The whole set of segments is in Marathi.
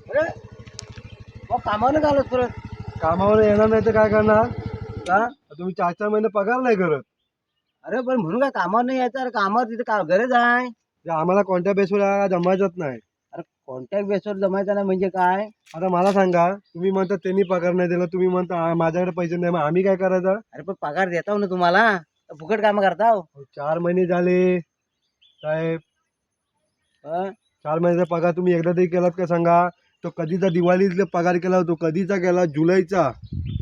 अरे मग कामावर आलो परत. कामावर येणार नाही तर काय करणार? का तुम्ही 4-4 महिने पगार नाही करत? अरे पण म्हणून काय कामावर नाही यायचं? अरे कामावर तिथे का गरज आहे? जे आम्हाला कोणत्या बेसवर जमायचंच नाही. अरे कॉन्टॅक्ट बेसवर जमायचं नाही म्हणजे काय? आता मला सांगा, तुम्ही म्हणता त्यांनी पगार नाही दिला, तुम्ही म्हणता माझ्याकडे पैसे नाही, मग आम्ही काय करायचं? अरे पण पगार देताव ना तुम्हाला, तर फुकट काम करताव. अहो, 4 महिने झाले साहेब. हं? 4 महिन्याचा पगार तुम्ही एकदा तरी केलात का सांगा? तो कधीचा दिवाळीतला पगार केला, तो कधीचा केला? जुलैचा.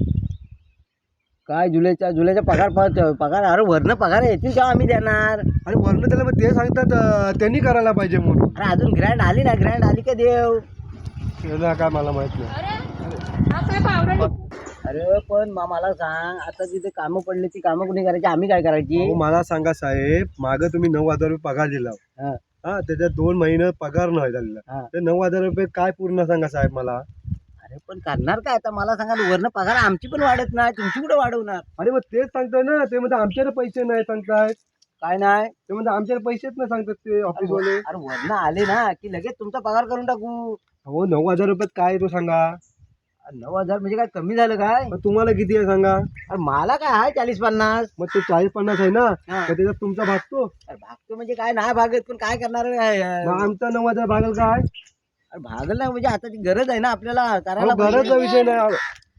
काय जुलैचा पगार पगार अरे वरनं पगार येतील तेव्हा आम्ही देणार. आणि वर्ण त्याला मग ते सांगतात त्यांनी करायला पाहिजे म्हणून. अरे अजून ग्रँड आली ना, ग्रँड आली का देव? त्याला काय मला माहित नाही. अरे पण मला सांग, आता तिथे कामं पडली, ती कामं कुणी करायची, आम्ही काय करायची? अहो, मला सांगा साहेब, मागं तुम्ही 9,000 रुपये पगार दिला. हं. हा, त्याच्यात 2 महिने पगार नाही झालेला. हा. ते 9,000 रुपये काय पूर्ण सांगा साहेब मला? अरे पण करणार काय आता? मला सांगा, वरनं पगार आमची पण वाढत नाही, तुमची कुठे वाढवणार? अरे मग तेच सांगताय ना, ते म्हणजे आमच्याकडे पैसे नाही सांगतायत. काय नाही? ते म्हणजे आमच्याकडे पैसेच नाही सांगतात ते ऑफिस वाले. अरे वरनं आले ना की लगेच तुमचा पगार करून टाकू. हो, 9,000 रुपयात काय आहे तो सांगा? 9,000 म्हणजे काय कमी झालं काय? मग तुम्हाला किती आहे सांगा? अरे मला काय आहे 40-50. मग ते 40-50 आहे ना, हा. तर त्याच्यात तुमचा भागतो. अरे भागतो म्हणजे काय नाही भागत, पण काय करणार मग आमचा 9,000 भागल काय? अरे भागल नाही म्हणजे आता ती गरज आहे ना आपल्याला करायला अहो, गरजचा पाहिजे. विषय नाही.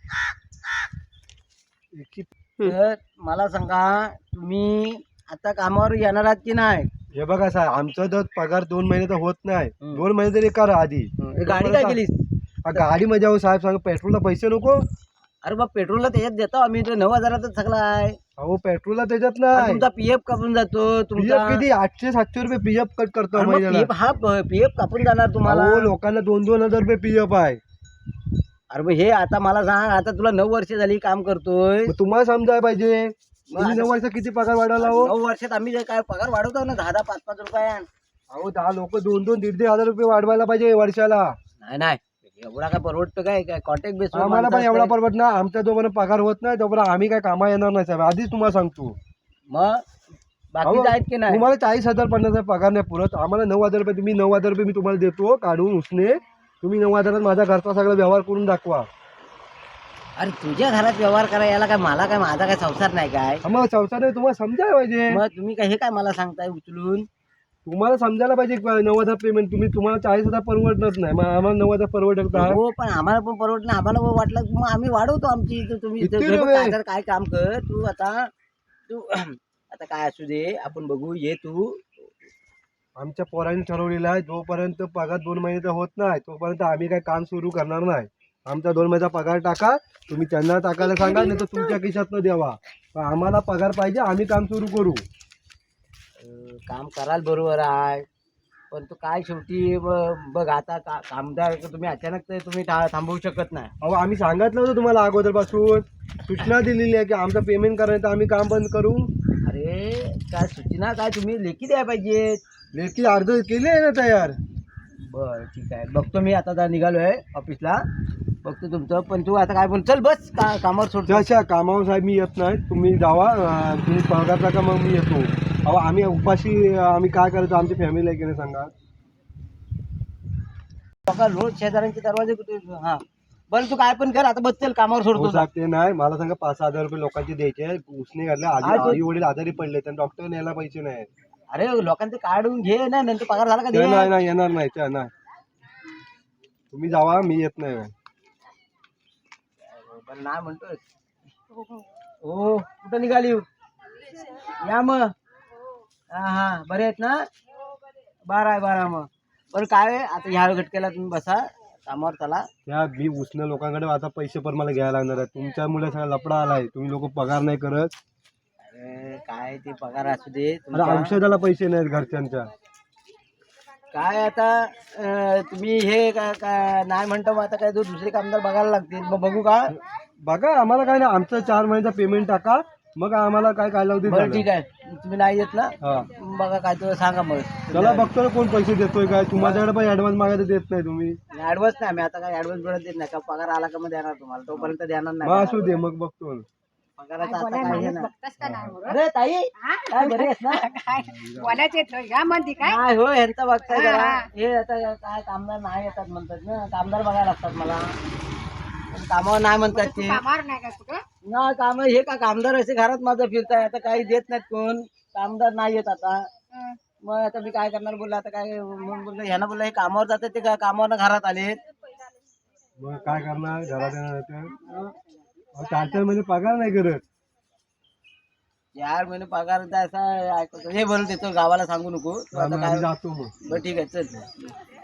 तर मला सांगा, तुम्ही आता कामावर येणार आहात की नाही? हे बघा साहेब, आमचा जर पगार 2 महिने तर होत नाही. हम्म. 2 महिने तरी करा आधी. हे गाडी काय केलीस? गाडी मध्ये अहो साहेब सांगा, पेट्रोलला पैसे नको. अरे मग पेट्रोलला त्याच्यात देतो आम्ही, 9,000च सगळं आहे. अहो पेट्रोलला त्याच्यात आणि नाही. तुमचा पीएफ कापून जातो तुमचा. पीएफ किती? 800-700 रुपये पीएफ कट करतो अरे मग महिन्याला. पीएफ कापून जाणार तुम्हाला. अहो, लोकांना 2-2 हजार रुपये पीएफ आहे. अरे मग हे आता मला सांग, आता तुला 9 वर्ष झाली काम करतोय. मग तुम्हाला समजायला पाहिजे. तुम्ही 9 वर्षात किती पगार वाढवला हो? 9 वर्षात आम्ही जे काय पगार वाढवतो ना, 10-10, 5-5 रुपये. अहो 10 लोक 2-2, 1.5 हजार रुपये वाढवायला पाहिजे वर्षाला. नाही नाही, एवढा काय परवडतं काय? काय कॉन्टॅक्ट बेस? आम्हाला पण एवढा परवडत ना. आमचा जोपर्यंत पगार होत नाही तोपर्यंत आम्ही काय कामा येणार नाही साहेब, आधीच तुम्हाला सांगतो. मग बाकीचं आहेत की नाही? तुम्हाला 40,000 50,000 पगार नाही पुरत, आम्हाला 9,000 रुपये. तुम्ही 9,000 रुपये मी तुम्हाला देतो काढून उसने. तुम्ही 9,000 माझा घरचा सगळा व्यवहार करून दाखवा. अरे तुझ्या घरात व्यवहार करा याला काय? मला काय, माझा काय संसार नाही काय? मग संसार तुम्हाला समजायला पाहिजे. मग तुम्ही काय हे काय मला सांगताय उचलून? तुम्हाला समजायला पाहिजे 9,000 पेमेंट. तुम्हाला 40,000 परवडत नाही, मग आम्हाला 9,000 परवडत का? हो पण आम्हाला पण परवडत नाही. आम्हाला पण वाटलं की मग आम्ही वाढवतो आमची. तर तुम्ही किती हे बघ, रुपये? काय काय काम कर तू आता. तू आता काय असू दे, आपण बघू. ये तू. आमच्या पोरांनी ठरवलेलं आहे, जोपर्यंत पगार 2 महिन्याचा होत नाही तोपर्यंत आम्ही काय काम सुरू करणार नाही. आमचा 2 महिन्याचा पगार टाका. तुम्ही त्यांना टाकायला सांगा, नाही तर तुमच्या खिशातनं द्यावा. पण आम्हाला पगार पाहिजे, आम्ही काम सुरू करू. काम कराल बरोबर आहे, पण तू काय शेवटी बघ आता कामदार तुम्ही अचानक तर तुम्ही थांबवू शकत नाही. अहो आम्ही सांगितलं होतं तुम्हाला अगोदरपासून, सूचना दिलेली आहे की आमचं पेमेंट करायचं आम्ही काम बंद करू. अरे काय सूचना काय, तुम्ही लेखी द्यायला पाहिजेत. लेखी अर्ज केले आहे ना तयार. बरं ठीक आहे, बघतो मी. आता निघालोय ऑफिसला, बघतो तुमचं. पण तू आता काय बोल, चल बस कामावर सोडतो. तशा कामावर साहेब मी येत नाही, तुम्ही जावा. तुम्ही पगार टाका, मग मी येतो. अहो आम्ही उपाशी आम्ही काय करायचो, आमची फॅमिली आहे की नाही सांगा. बघा रोज शेजाऱ्यांचे दरवाजे कुठे. हा बरं तू काय पण कर, आता बस चल, कामावर हो सोडतो. साहेब ते नाही, मला सांगा 5,000 रुपये लोकांचे द्यायचे. उसने घातले, आई वडील आजारी पडले, त्यांना डॉक्टर न्यायला पैसे नाही. अरे लोकांचे काढून घे ना, नंतर पगार झाला का ते दे. नाही नाही येणार नाही, ते नाही. तुम्ही जावा, मी येत नाही. पण नाही म्हणतोय. हो कुठं निघाली? या मग. हा हा बरे आहेत ना? बरं आहे, बरं आहे. मग बरं काय आहे, आता ह्या घटकेला तुम्ही बसा, कामावर चला. त्या मी उसने लोकांकडे आता पैसे पण मला घ्यायला लागणार आहे. तुमच्यामुळे सगळा लफडा आलाय, तुम्ही लोक पगार नाही करत. अरे काय ते पगार असू दे अरे तुमचा. औषधाला पैसे नाहीत घरच्यांच्या. काय आता तुम्ही हे नाही म्हणतो, मग आता काय दुसरे कामदार बघायला लागतील. मग बघू का? बघा आम्हाला काय नाही, आमचं 4 महिन्याचा पेमेंट टाका, मग आम्हाला काय काय लावते. बरं ठीक आहे, तुम्ही नाही येत ना, हा बघा काय तर सांगा मग. चला बघतो ना कोण पैसे देतोय काय. माझ्याकडे पण ऍडव्हान्स मागायला देत नाही तुम्ही. ऍडव्हान्स नाही, आम्ही आता काय ऍडव्हान्स मिळत देत नाही का. पगार आला का मग देणार तुम्हाला, तोपर्यंत देणार मग नाही. असू दे, मग बघतो. पगाराचं आता काय हे नाही. अरे ताई काय बरी आहेस ना? नाही हो ह्यांचं बघताय जरा. हे आता काय कामदार नाही येतात म्हणतात ना, कामदार बघायला लागतात मला. पण कामावर नाही म्हणतात ते. ना काम हे का कामदार असे घरात माझं फिरताय, आता काही देत नाहीत कोण, कामदार नाही येत आता. मग आता मी काय करणार बोललं, आता काय मग बोललं ह्यानं बोललं हे कामावर जातात ते कामावर घरात आलेत. मग काय करणार घरात येणार तर? 4-4 महिने पगार नाही करत. 4 महिने पगार द्यायचा ऐकतो हे बोलत येतो गावाला सांगू नको तू आता आम्ही काय. जातो मग. बरं ठीक आहे चल.